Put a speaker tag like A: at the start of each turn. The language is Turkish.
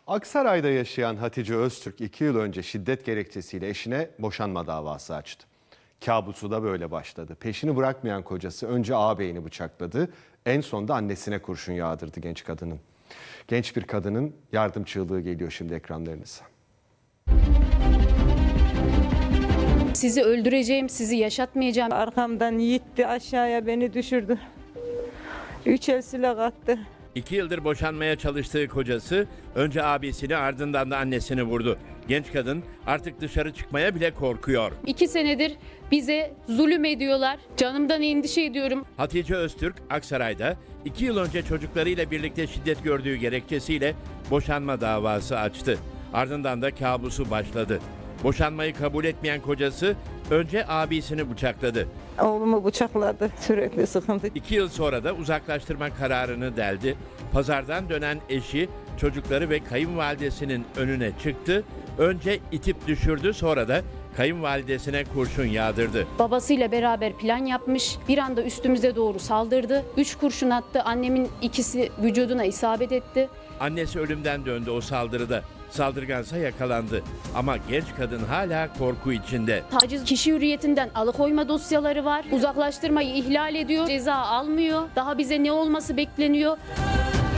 A: Aksaray'da yaşayan Hatice Öztürk 2 yıl önce şiddet gerekçesiyle eşine boşanma davası açtı. Kabusu da böyle başladı. Peşini bırakmayan kocası önce ağabeyini bıçakladı, en son da annesine kurşun yağdırdı genç kadının. Genç bir kadının yardım çığlığı geliyor şimdi ekranlarınıza.
B: Sizi öldüreceğim, sizi yaşatmayacağım.
C: Arkamdan yitti, aşağıya beni düşürdü. 3 el silah attı.
D: 2 yıldır boşanmaya çalıştığı kocası önce abisini ardından da annesini vurdu. Genç kadın artık dışarı çıkmaya bile korkuyor.
B: 2 senedir bize zulüm ediyorlar. Canımdan endişe ediyorum.
D: Hatice Öztürk Aksaray'da 2 yıl önce çocuklarıyla birlikte şiddet gördüğü gerekçesiyle boşanma davası açtı. Ardından da kabusu başladı. Boşanmayı kabul etmeyen kocası önce abisini bıçakladı.
C: Oğlumu bıçakladı. Sürekli sıkıntı.
D: 2 yıl sonra da uzaklaştırma kararını deldi. Pazardan dönen eşi, çocukları ve kayınvalidesinin önüne çıktı. Önce itip düşürdü, sonra da kayınvalidesine kurşun yağdırdı.
B: Babasıyla beraber plan yapmış. Bir anda üstümüze doğru saldırdı. 3 kurşun attı. Annemin ikisi vücuduna isabet etti.
D: Annesi ölümden döndü o saldırıda. Saldırgansa yakalandı. Ama genç kadın hala korku içinde.
B: Taciz, kişi hürriyetinden alıkoyma dosyaları var. Uzaklaştırmayı ihlal ediyor. Ceza almıyor. Daha bize ne olması bekleniyor?